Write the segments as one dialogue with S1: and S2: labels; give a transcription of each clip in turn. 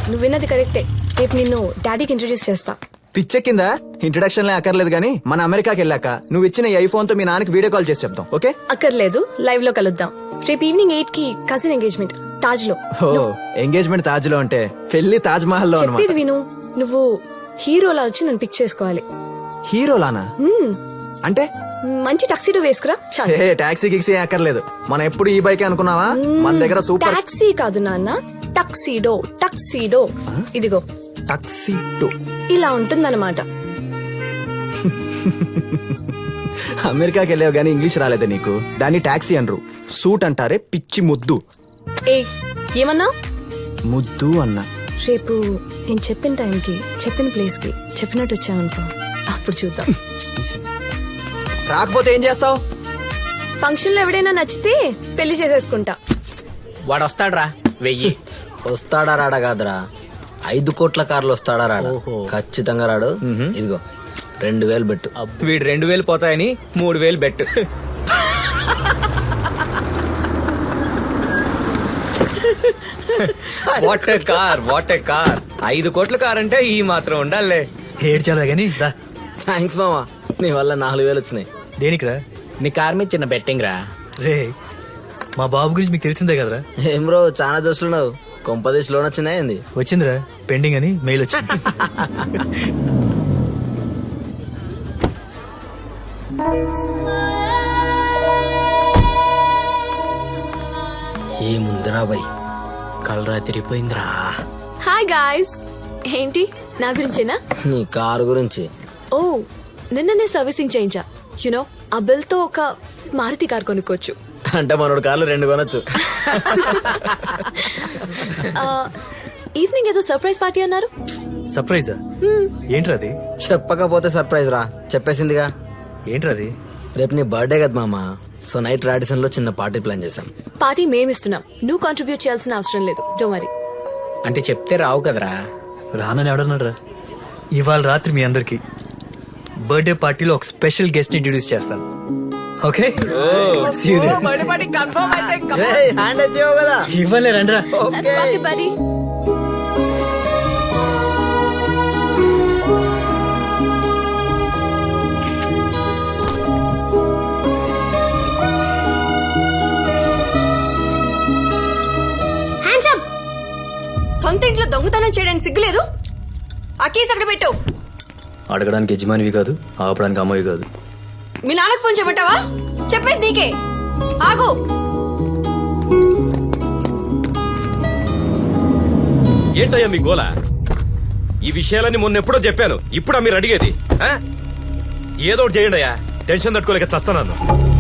S1: నువ్వు విన్నది కరెక్టే. రేపు నిన్ను డాడీకి ఇంట్రొడ్యూస్ చేస్తా.
S2: పిచ్చెక్కిందా? ఇంట్రడక్షన్ లే అక్కర్లేదు గానీ మన అమెరికాకి వెళ్ళాక నువ్వు ఇచ్చిన ఈ ఐఫోన్ తో మీ నాన్నకి వీడియో కాల్ చేసి చెప్తాం. ఓకే?
S1: అక్కర్లేదు, లైవ్ లో కలుద్దాం. రేపు ఈవినింగ్ 8 కి కజిన్ ఎంగేజ్మెంట్ తాజ్ లో.
S2: ఎంగేజ్మెంట్ తాజ్ లో అంటే పెళ్లి తాజ్ మహల్ లో
S1: చెప్పేది విను. నువ్వు హీరోలా వచ్చి నన్ను పిక్ చేసుకోవాలి.
S2: హీరోలానా? అంటే
S1: మంచి టక్సీడో వేసుకురా చాలు.
S2: టాక్సీ గిక్సీ అక్కర్లేదు. మనం ఎప్పుడు ఈ బైక్ అనుకున్నావా? మన దగ్గర సూపర్.
S1: టాక్సీ కాదు నాన్న, టక్సీడో. టక్సీడో ఇదిగో.
S2: టక్సీడో
S1: ఇలా ఉంటుందన్నమాట.
S2: అమెరికాకి వెళ్ళావు గానీ ఇంగ్లీష్ రాలేదా నీకు? దాన్ని టాక్సీ అనరు, సూట్ అంటారే పిచ్చి ముద్దు.
S1: ఏ ఏమన్నా?
S2: ముద్దు అన్నా.
S1: రేపు నేను చెప్పిన టైంకి చెప్పిన ప్లేస్ కి చెప్పినట్టు వచ్చావనుకో, అప్పుడు చూద్దాం.
S2: రాకపోతే ఏం చేస్తావు?
S1: ఫంక్షన్ లో ఎవడైనా నచ్చితే పెళ్లి చేసేసుకుంటా.
S3: వాడు వస్తాడ్రా 1000.
S4: వస్తాడా రాడా కాదురా, 5 కోట్ల కార్లు వస్తాడా రాడా? ఖచ్చితంగా రాడు. ఇదిగో 2000 బెట్టు.
S3: వీడు 2000 పోతాయని 3000 bet. What a car, what a car. 5 కోట్ల కార్ అంటే ఈ మాత్రం ఉండాలే.
S5: ఏడ్చాలా గానీ రా.
S4: థ్యాంక్స్ మామా, నీ వల్ల 4000 వచ్చినాయి.
S5: దేనికిరా?
S3: నీ కార్ మీద చిన్న బెట్టింగ్ రా.
S5: రే మా బాబు గురించి మీకు తెలిసిందే కదరా.
S4: ఏం బ్రో చాలా చూస్తున్నావు, కొంపదీసి లోన్ వచ్చినాయింది.
S5: వచ్చిందిరా, పెండింగ్ అని మెయిల్ వచ్చింది.
S4: ఏముందిరా బై,
S3: కలరా తిరిగిపోయిందిరా.
S1: Hi guys. ఏంటి నా గురించేనా?
S4: నీ కారు గురించి.
S1: ఓ నిన్ననే సర్వీసింగ్ చేయించా. యునో ఆ బిల్ తో ఒక మారుతి కార్ కొనుక్కోవచ్చు.
S4: అంటే మనోడు కార్లు 2 కొనొచ్చు.
S1: ఈవినింగ్ ఏదో సర్ప్రైజ్ పార్టీ అన్నారు.
S5: సర్ప్రైజా? ఏంట్రా అది?
S4: చెప్పకపోతే సర్ప్రైజ్ రా, చెప్పేసిందిగా.
S5: ఏంట్రా అది?
S4: రేపు నీ బర్త్డే కదా మామా, సో నైట్ రాడిసన్ లో చిన్న పార్టీ ప్లాన్ చేశాం.
S1: పార్టీ మేమిస్తున్నాం, నువ్వు కాంట్రిబ్యూట్ చేయాల్సిన అవసరం లేదు. Don't worry.
S3: అంటే చెప్తే రావు కదరా.
S5: రానని ఎవడన్నాడు? ఇవాళ రాత్రి మీ అందరికి బర్త్డే పార్టీలో ఒక స్పెషల్ గెస్ట్ ఇంట్రడ్యూస్ చేస్తాను. ఓకే?
S4: హ్యాండ్ అయితే కదా
S5: ఇవ్వలే రండ్రా.
S1: సొంత ఇంట్లో దొంగతనం చేయడానికి సిగ్గులేదు? ఆ కేసు అక్కడ పెట్టు.
S5: అడగడానికి యజమానివి కాదు, ఆపడానికి అమ్మవి కాదు.
S1: మీ నాన్నకు ఫోన్ చేయమంటావా? చెప్పేది నీకే. ఆగు.
S6: ఏంటయ్యా మీ గోల? ఈ విషయాలన్నీ మొన్నెప్పుడో చెప్పాను, ఇప్పుడా మీరు అడిగేది? ఏదో ఒకటి చేయండి అయ్యా, టెన్షన్ తట్టుకోలేక చస్తాను.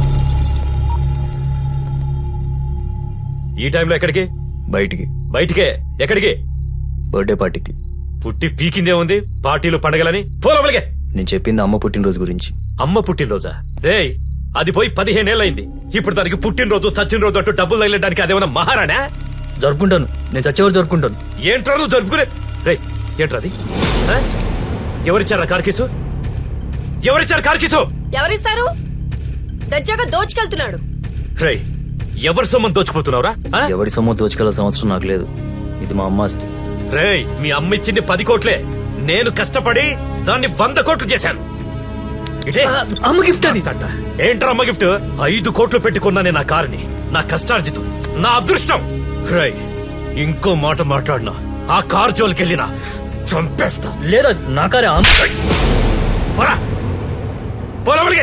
S6: ఈ టైంలో ఎక్కడికి?
S5: బయటికి.
S6: బయటికే? ఎక్కడికి?
S5: బర్త్డే పార్టీకి.
S6: పుట్టి పీకిందే ఉంది, పార్టీలు పండగలని పోలవలిగే.
S5: నేను చెప్పింది అమ్మ పుట్టినరోజు గురించి.
S6: అమ్మ పుట్టినరోజా? రేయ్, అది పోయి 15 ఏళ్ళయింది. ఇప్పుడు దానికి పుట్టినరోజు చచ్చిన అంటూ డబ్బులు తగిలడానికి అదేమన్నా మహారాణా?
S5: జరుపుకుంటాను, నేను చచ్చేవారు జరుపుకుంటాను.
S6: ఏంట్రా నువ్వు జరుపుకునే? రేయ్, ఏంట్రది? ఎవరిచ్చారా కార్కీసు? ఎవరిచ్చారు కార్కీసు?
S1: ఎవరిస్తారు? దర్జాగా దోచుకెళ్తున్నాడు.
S6: రేయ్, ఎవరి సొమ్మని దోచుకుపోతున్నావురా?
S5: ఎవరి సొమ్ము దోచుకెళ్ళాల్సిన అవసరం నాకు లేదు, ఇది మా అమ్మ ఆస్తి.
S6: రేయ్, మీ అమ్మ ఇచ్చింది 10 కోట్లే, నేను కష్టపడి దాన్ని 100 కోట్లు చేశాను.
S5: అమ్మ గిఫ్ట్ అది.
S6: ఏంట్రా అమ్మ గిఫ్ట్? 5 కోట్లు పెట్టుకున్నానే నా కారుని, నా కష్టార్జితం, నా అదృష్టం. రేయ్, ఇంకో మాట మాట్లాడినా, ఆ కారు జోలికెళ్ళినా చంపేస్తా.
S5: లేదా నా కారే.
S6: పోరా, పోలవలిగే.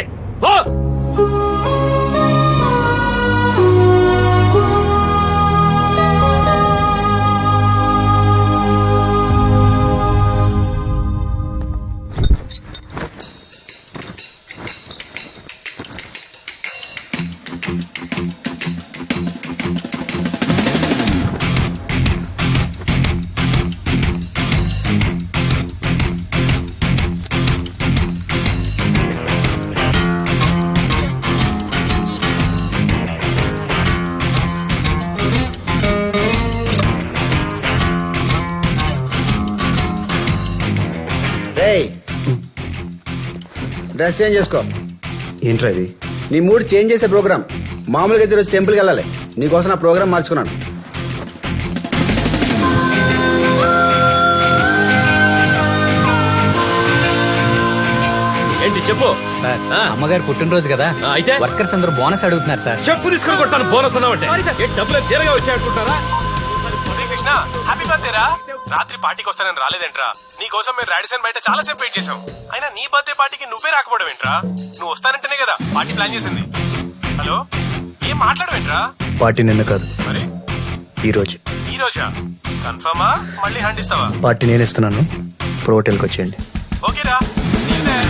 S7: డ్రెస్ చేంజ్ చేసుకో.
S2: ఏంట్రా ఇది?
S7: నీ మూడ్ చేంజ్ చేసే ప్రోగ్రామ్. మామూలుగా అయితే ఈరోజు టెంపుల్కి వెళ్ళాలి, నీకోసం నా ప్రోగ్రామ్ మార్చుకున్నాను.
S6: ఏంటి చెప్పు
S5: సార్
S6: ఆ.
S5: అమ్మగారు పుట్టినరోజు కదా
S6: ఆ, అయితే?
S5: వర్కర్స్ అందరూ బోనస్ అడుగుతున్నారు సార్.
S6: చెప్పు తీసుకుని కొడతాను బోనస్ అన్నావంటే ఏంటి డబ్బులు తీరగా వచ్చాయనుకుంటారా?
S8: ఉదయ్ కృష్ణ హ్యాపీ బర్త్డే రా. రాత్రి పార్టీకి వస్తానని రాలేదేంట్రా? నీ కోసం మేము రాడిసన్ బయట చాలా సేపు వెయిట్ చేసాం. అయినా నీ బర్త్డే పార్టీకి నువ్వే రాకపోవడం ఏంట్రా? నువ్వు వస్తానంటేనే కదా పార్టీ ప్లాన్ చేసింది. హలో, ఏం మాట్లాడవేంట్రా?
S5: పార్టీ నిన్న కాదు,
S8: మరి
S5: ఈ రోజు.
S8: ఈ రోజా? కన్ఫర్మా? మళ్ళీ హ్యాండ్ ఇస్తావా?
S5: పార్టీ నేను ఇస్తున్నాను, ప్రో హోటల్కి వచ్చేయండి.
S8: ఓకేరా, see you there.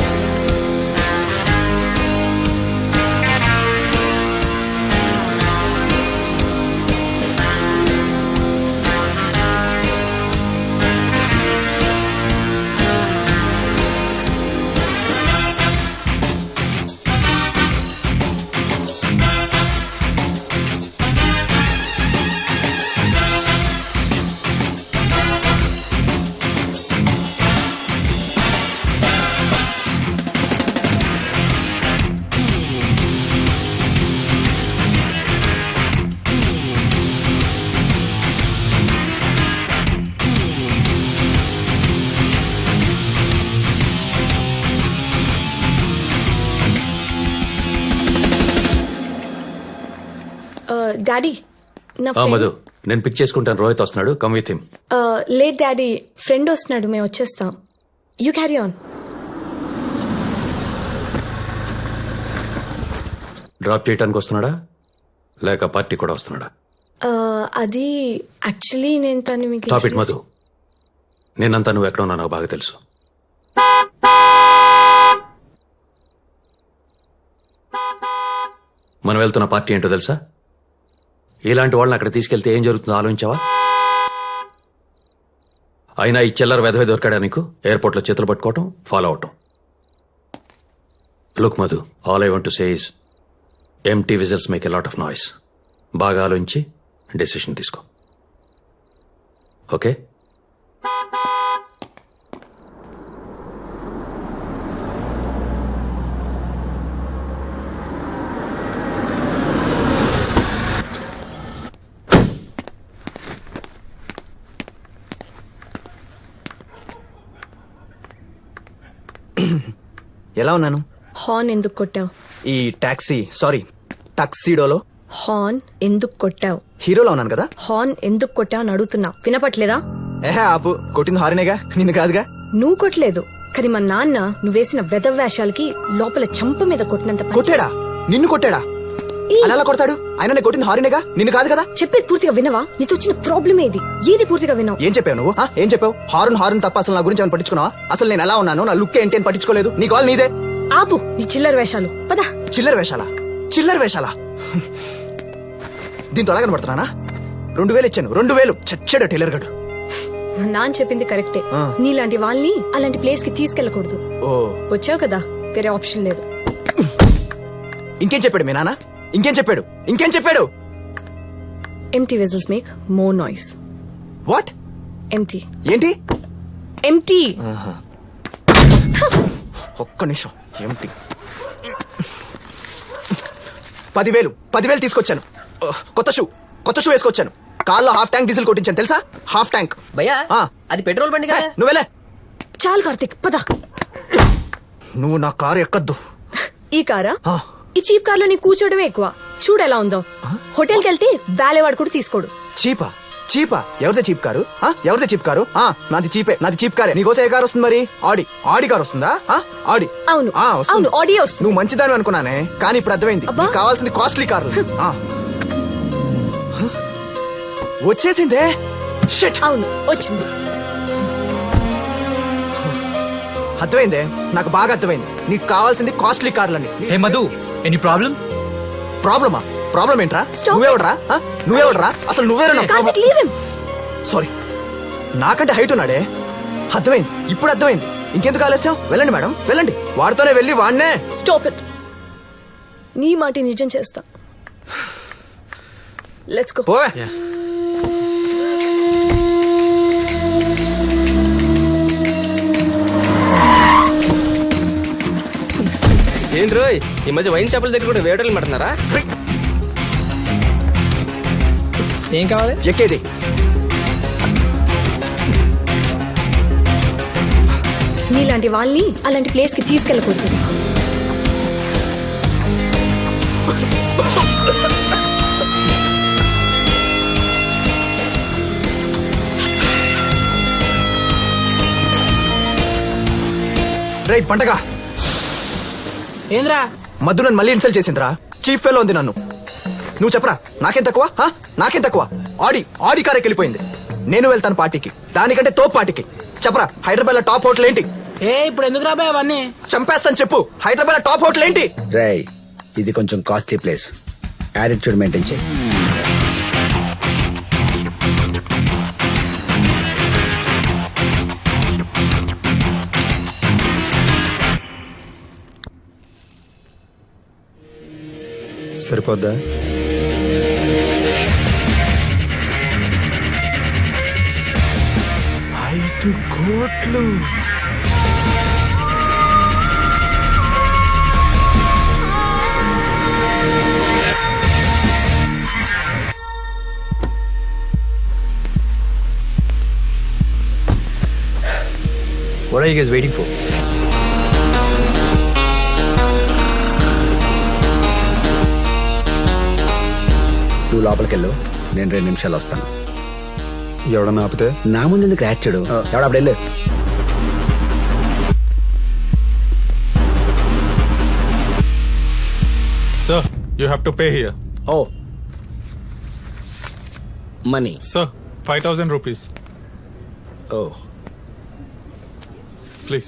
S9: డాడీ నా
S10: మధు నేను పిక్ చేసుకుంటాను. రోహిత్ వస్తున్నాడు, come with him.
S9: Late daddy, friend వస్తున్నాడు, మేము వచ్చేస్తాం. You carry on.
S10: డ్రాప్ చేయడానికి వస్తున్నాడా లేక పార్టీ కూడా వస్తున్నాడా?
S9: అది యాక్చువల్లీ నేను తను మీకు
S10: టాప్ ఇట్ మధు. నేనంతా నువ్వు ఎక్కడ ఉన్నా నాకు బాగా తెలుసు. మనం వెళ్తున్న పార్టీ ఏంటో తెలుసా? ఇలాంటి వాళ్ళని అక్కడ తీసుకెళ్తే ఏం జరుగుతుందో ఆలోచించావా? అయినా ఈ చిల్లర వెధవే దొరికాడా నీకు? ఎయిర్పోర్ట్ లో చేతులు పట్టుకోవటం, ఫాలో అవటం. Look Madhu, all I want to say is empty vessels make a lot of noise. బాగా ఆలోచించి డెసిషన్ తీసుకో, ఓకే?
S2: ఎలా ఉన్నాను?
S9: హార్న్ ఎందుకు కొట్టావు?
S2: ఈ టాక్సీ టాక్సీడోలో
S9: హార్న్ ఎందుకు కొట్టావు?
S2: హీరోలో ఉన్నాను కదా.
S9: హార్న్ ఎందుకు కొట్టావు అని అడుగుతున్నా, వినపట్లేదా?
S2: ఏహే ఆపు, కొట్టింది హారినేగా, నిన్ను కాదుగా.
S9: నువ్వు కొట్టలేదు, కానీ మా నాన్న నువ్వేసిన వెధవ్యాషాలకి లోపల చంప మీద కొట్టినంత పని
S2: కొట్టాడా? నిన్ను కొట్టాడా? అలా ఎలా కొడతాడు? ఆయన నేను కొట్టింది హారినేగా, నిన్ను కాదు కదా.
S9: చెప్పేది పూర్తిగా వినవా? నీతో వచ్చిన ప్రాబ్లమ్ ఏది? ఏది పూర్తిగా వినవు?
S2: ఏం చెప్పావు నువ్వు? ఏం చెప్పావు? హారన్ తప్ప అసలు నా గురించి ఏమైనా పట్టించుకున్నావా? అసలు నేను ఎలా ఉన్నాను, నా లుక్ ఏంటి అని పట్టించుకోలేదు. నీ కాల్ నీదే.
S9: ఆపు ఈ చిల్లర వేషాలు, పదా.
S2: చిల్లర వేషాలా? దీంతో ఎలా కనబడుతున్నానా? 2000 ఇచ్చాను, 2000 చచ్చాడు టైలర్ గడు.
S9: మా నాన్న చెప్పింది కరెక్టే. నీలాంటి వాళ్ళని అలాంటి ప్లేస్ కి తీసుకెళ్లకూడదు.
S2: ఓ,
S9: వచ్చావు కదా, వేరే ఆప్షన్ లేదు.
S2: ఇంకేం చెప్పాడు మీ నాన్న? ఇంకేం చెప్పాడు?
S9: Empty vessels make more noise.
S2: What?
S9: Empty.
S2: ఏంటి?
S9: Empty.
S2: ఒక్క నిమిషం. ఏంటి? 10,000 తీసుకొచ్చాను. కొత్త షూ వేసుకొచ్చాను. కార్లో హాఫ్ ట్యాంక్ డీజిల్ కొట్టించాను తెలుసా? Half tank.
S4: భయ్యా అది పెట్రోల్ బండి కదా.
S2: నువ్వెలే.
S9: చాలు కార్తిక్, పద.
S2: నువ్వు నా కారు ఎక్కద్దు.
S9: ఈ కారా? ఈ చీప్ కార్లో నీ కూర్చోవడమే ఎక్కువ. చూడు ఎలా ఉందో. హోటల్కి వెళ్తే వాలేవాడు కూడా తీసుకోడు.
S2: చీపా? ఎవరిదే చీప్ కారు? నాది చీప్ కారే. నీకోసం ఏ కారు వస్తుంది మరి? ఆడి కారు వస్తుందా? ఆడి.
S9: అవును,
S2: వస్తుంది.
S9: అవును, ఆడియో వస్తుంది.
S2: నువ్వు మంచిదాని అనుకున్నానే, కానీ ఇప్పుడు అర్థమైంది.
S9: అబ్బా.
S2: నీకు కావాల్సింది కాస్ట్లీ కారు. వచ్చేసిందే. షిట్.
S9: అవును, వచ్చింది.
S2: అర్థమైందే, నాకు బాగా అర్థమైంది. నీకు కావాల్సింది కాస్ట్లీ కార్లని.
S5: Hey Madhu, any problem?
S2: Problem ఏంట్రా?
S9: Stop.
S2: నువ్వెవడరా? అసలు నువ్వేరా?
S9: Karthik, leave him.
S2: సారీ, నాకంటే హైట్ ఉన్నాడే. అర్థమైంది, ఇప్పుడు అర్థమైంది. ఇంకెందుకు ఆలస్యం? వెళ్ళండి మేడం, వెళ్ళండి. వాడితోనే వెళ్ళి వాడినే.
S9: Stop it. నీ మాట నిజం చేస్తా. Let's go.
S2: పోవే.
S3: ఏంటి రోయ్, ఈ మధ్య వైన్ షాపుల దగ్గర కూడా వేటర్లు పెడుతున్నారా? ఏం కావాలి?
S2: ఎక్కేది.
S9: నీలాంటి వాళ్ళని అలాంటి ప్లేస్ కి తీసుకెళ్ళకూడదు.
S2: రైట్ పంటగా
S4: ఏంద్రా
S2: మధు నన్ను మళ్ళీ ఇన్సల్ట్ చేసిందిరా. చీఫ్ ఫెలో ఉంది నన్ను. నువ్వు చెప్పరా నాకేం తక్కువ? నాకేం తక్కువ? ఆడి కారెక్కి వెళ్ళిపోయింది. నేను వెళ్తాను పార్టీకి, దానికంటే తోపు పార్టీకి. చెప్పరా హైదరాబాద్ లో టాప్ హోటల్ ఏంటి?
S4: ఇప్పుడు ఎందుకు రాబాయ్ అవన్నీ?
S2: చంపేస్తాను చెప్పు. హైదరాబాద్ లో టాప్ హోటల్ ఏంటి?
S7: రై ఇది కొంచెం కాస్ట్లీ ప్లేస్, యాటిట్యూడ్ మెయింటైన్ చేయి.
S2: సరిపోద్దా?
S5: What are you guys waiting for?
S7: నువ్వు లోపలికి వెళ్ళు, నేను 2 నిమిషాలు వస్తాను.
S2: ఎవడన్నా ఆపితే
S7: నా ముందు ఎందుకు యాక్చుడు? ఎవడప్పుడు వెళ్ళు.
S8: Sir, you have to pay here.
S4: Oh money.
S8: Sir, 5,000 rupees.
S4: Oh
S8: Please.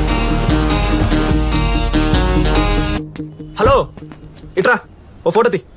S2: Hello ఇట్రా, ఓ ఫోటో తీ.